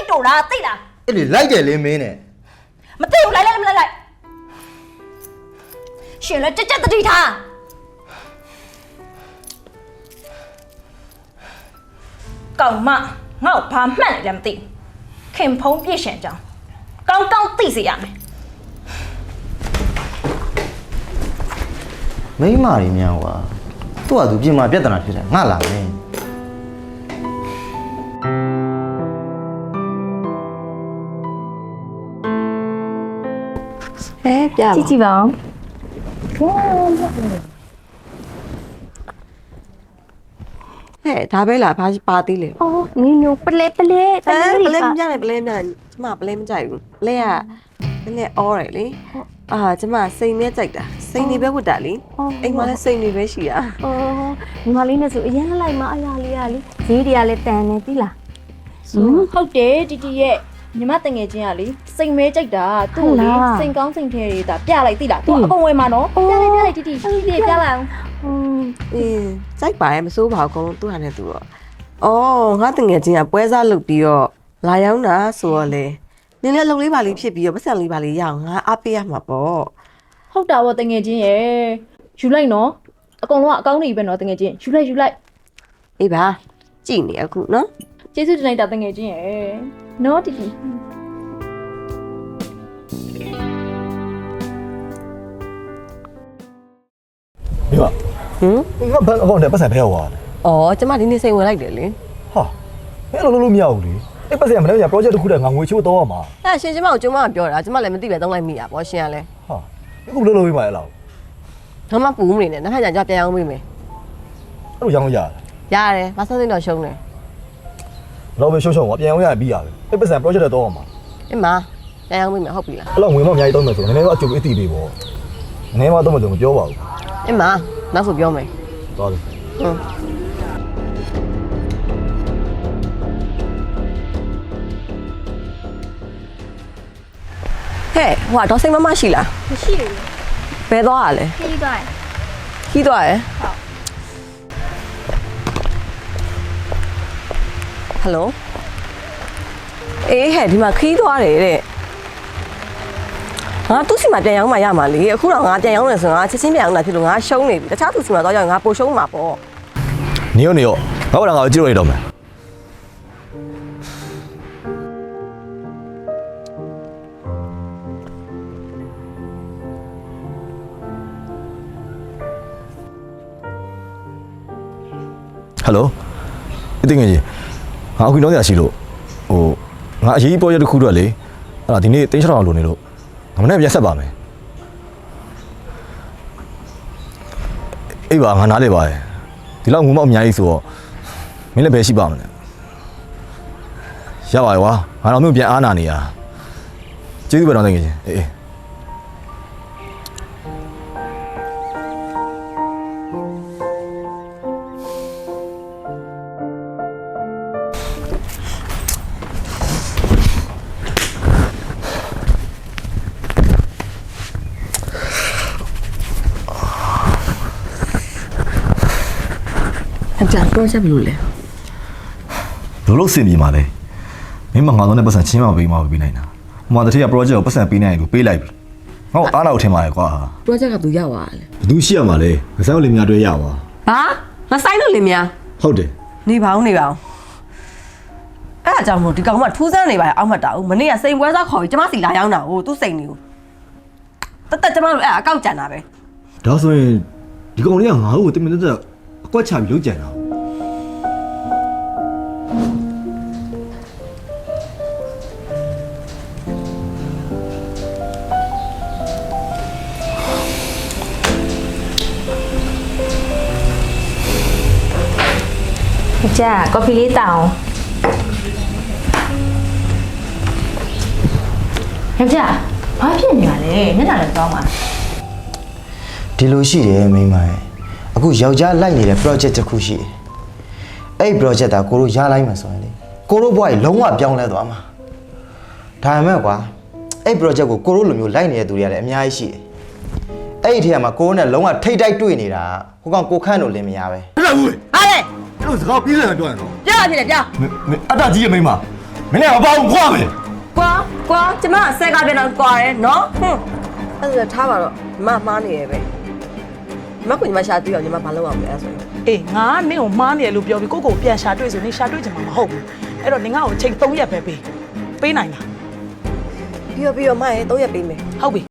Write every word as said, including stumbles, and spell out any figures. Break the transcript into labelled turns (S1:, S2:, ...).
S1: တော်လားသိလား
S2: အဲ့လေလိုက်တယ်လေမင်းနဲ့
S1: မသိဘူးလိုက်လိုက်မလိုက်လိုက်ရှင်လည်းကြက်ကြက်တတိထားကောင်မငါ့ကိုဘာမှတ်နေတယ်မသိခင်ဖုံးပြည့်ရှင်ကြောင်းကောင်းကောင်းသိစေရမယ်
S2: မိမတွေများကွာသူ့ဟာသူပြင်မာပြဿနာဖြစ်တယ်ငါလာမယ်
S3: အဲပြပါကြည့်ကြည့်ပါဦးဟဲ့ဒါပဲလားဘာပါသေးလဲ
S4: အော်နင်ညိုပလဲပလဲ
S3: ပလဲပလဲမရနဲ့ပလဲမရကျမပလဲမကြိုက်ဘူးပလဲကနည်းနည်းအော်ရယ်လေအာကျမစိန်နဲ့ကြိုက်တာစိန်နေပဲဝတ်တာလေအိမ်မှာလည်းစိန်နေပဲရှိတာ
S4: အော်ညီမလေးနဲ့ဆိုအရင်လိုက်မှအရာလေးရလေဈေးတွေကလည်းတန်နေပြီလား
S1: ဟုတ်တယ်တီတီရဲ့ညီမတငယ်ချင်းကလေစိန်မဲကြိုက်တာသူ့လေစိန်ကောင်းစိန်ထဲတွေဒါပြလိုက်သိလားသူအကုန်ဝယ်မှာနော်ပြလိုက်ပြလိုက်တီတီတီတီပြလိုက်အောင်
S3: อืมအေးစိုက်ပါရဲ့မစိုးပါဘူးအကုန်လုံးသူ့ဟာနဲ့သူတော့အော်ငါတငယ်ချင်းကပွဲစားလုပ်ပြီးတော့လာရောက်တာဆိုတော့လေနင်းလည်းအလုပ်လေးပါလေးဖြစ်ပြီးတော့ပတ်စံလေးပါလေးရအောင်ငါအားပေးရမှာပေါ့
S1: ဟုတ်တာပေါ့တငယ်ချင်းရဲ့ယူလိုက်နော်အကုန်လုံးကအကောင်းကြီးပဲနော်တငယ်ချင်းယူလိုက်ယူလိုက်
S3: အေးပါကြည့်နေအခုနော်
S1: ကျေးဇူးတင်လိုက်တာတငယ်ချင်းရဲ့နော်တီတီ
S5: မိမဟင်ငါဘန်အကောင့်နဲ့ပတ်စံဖဲသွားတယ်
S3: ။အော်ကျမဒီနေ့စိန်ဝင်လိုက်တယ်လေ
S5: ။ဟာမင်းအလုပ်လုပ်လို့မရဘူးလေ။အဲ့ပတ်စံမနေ့က project တစ်ခုတည်းငါငွေချိုးတော့ရမှာ
S3: ။အဲ့ရှင်ကျမကိုကျမကပြောတာကျမလည်းမသိပဲသုံးလိုက်မိတာပေါ့ရှင်ကလည်း
S5: ။ဟာအခုလုပ်လို့ပြီးမှအဲ့လောက်
S3: ။တော့မှပူမနေနဲ့နောက်ထပ်ကျပြန်အောင်ပေးမယ်
S5: ။အဲ့လိုရောင်းလို့ရတယ်
S3: ။ရတယ်မဆက်စိမ့်တော့ရှုံးတယ်
S5: ။တော့ပဲရှုံးရှုံးကပြန်အောင်ရပြီးရတယ်။အဲ့ပတ်စံ project တော့ရမှာ
S3: ။အင်းမပြန်အောင်ပေးမယ်ဟုတ်ပြီလား
S5: ။အဲ့လောက်ငွေမအများကြီးတောင်းမယ်ဆိုတော့နည်းနည်းတော့အကျိုးအသိပေးပေါ့။နည်းနည်းမှတော့မလို့မပြောပါဘူး
S3: ။အင်းမနောက်ဆိုပြောမယ်
S5: ။သွားပြီ
S3: ။ဟုတ်ဟဲ့ဟိုတော့စိတ်မမရှိလား
S4: မရှိဘူး
S3: ဘယ်သွားရလဲ
S4: ခီးသွားရ
S3: ခီးသွားရ
S4: ဟုတ်
S3: ဟယ်လိုအေးဟဲ့ဒီမှာခီးသွားတယ်တဲ့ငါသူ့စီမှာပြန်ရောက်မှရမှာလေအခုတော့ငါပြန်ရောက်နေဆိုငါချက်ချင်းပြန်ရောက်လာဖြစ်လို့ငါရှုံးနေပြီတခြားသူစီမှာတော့ရောက်ငါပိုရှုံးမှာပေါ့
S5: နေရောနေရောငါ့ဘာငါကြည့်လို့ရတော့မယ်ဟယ်လိုအတင်းငယ်ကြီးငါအခုတော့ရရှိလို့ဟိုငါအရေးကြီး project တစ်ခုတော့လေအဲ့ဒါဒီနေ့တင်းချောင်းအောင်လုပ်နေလို့ငါမနေ့ပြန်ဆက်ပါမယ်အေးပါငါနားလေပါရဲ့ဒီလောက်ငုံမောက်အများကြီးဆိုတော့မင်းလည်းပဲရှိပါမလဲရပါရွာငါတော့မျိုးပြန်အားနာနေရကျေးဇူးပဲတော့တကယ်ချင်းအေးအေး
S3: အကြံ project ဘယ်လိုလဲ
S5: ဘယ်လိုစင်ပြေမှာလဲမင်းမငါတော့နဲ့ပတ်စံချင်းမပေးမှာပေးနိုင်တာဟိုမှာတတိယ project ကိုပတ်စံပေးနိုင်တယ်လို့ပေးလိုက်ပြီငါ့ကိုအားလောက်ထင်ပါရဲ့ကွာ
S3: project ကသူရောက်သွားတယ်
S5: ဘယ်သူရှိရမှာလဲငါဆိုင်လေးများတွေ့ရပါ
S3: ဘာငါဆိုင်လို့လေများ
S5: ဟုတ်တယ်
S3: နေပါဦးနေပါဦးအဲ့အကြောင်းမို့ဒီကောင်ကထူးဆန်းနေပါရဲ့အောက်မှတ်တာဦးမနေ့ကစိန်ပွဲစားခေါ်ပြီးကျမစီလာရောက်တာဟိုသူ့စိန်နေကိုတက်တက်ကျမတို့အဲ့အကောက်ကြံတာပဲ
S5: ဒါဆိုရင်ဒီကောင်လေးကငါ့ကိုတင်မတက်တက်အကွက်ချပြီးလုံးကြံတာ
S4: ကြာကော်ဖီလေးတောင်းယောက်ျားဘာဖြစ်နေရလဲမျက်နှာလည်းတောင်းပါ
S2: ဒီလိုရှိတယ်မိမရဲ့အခုယောက်ျားလိုက်နေတဲ့ project တစ်ခုရှိတယ်အဲ့ project တာကိုတို့ရလိုက်မှာဆိုရင်လေကိုတို့ဘဝကြီးလုံးဝပြောင်းလဲသွားမှာဒါပေမဲ့ကွာအဲ့ project ကိုကိုတို့လိုမျိုးလိုက်နေတဲ့သူတွေကလည်းအများကြီးရှိတယ်အဲ့ဒီထဲမှာကိုတို့နဲ့လုံးဝထိတ်တိုက်တွေ့နေတာဟိုကောင်ကိုခန့်တို့လင်းမရပဲ
S5: ဟုတ်ဘူး
S3: ဟာလေ
S5: အဲ့လိုစကားပြေးလာပြောရတော့
S3: ပြောရဖြစ်တယ်ပြော
S5: အတကြီးရဲ့မိမမင်းလည်းမပေါ့ဘူးခွာမယ်
S3: ကွာကွာကျမဆက်ကပြန်တော့ကွာတယ်နော်ဟွန်းအဲ့ဒါထားပါတော့မမှားနေရပဲမကွညီမရှာတွေ့အောင်ညီမဘာလုပ်အောင်လဲအဲ့ဆိုရင်
S6: အေးငါနင့်ကိုမားနေရလို့ပြောပြီးကိုကိုပြန်ရှာတွေ့ဆိုနေရှာတွေ့ချင်မှာမဟုတ်ဘူးအဲ့တော့နင်ငါ့ကိုအချိန်၃ရက်ပဲပေးပေးနိုင်လား
S3: ပြီးတော့ပြီးတော့မရဲ့၃ရက်ပေးမယ်
S6: ဟုတ်ပြီ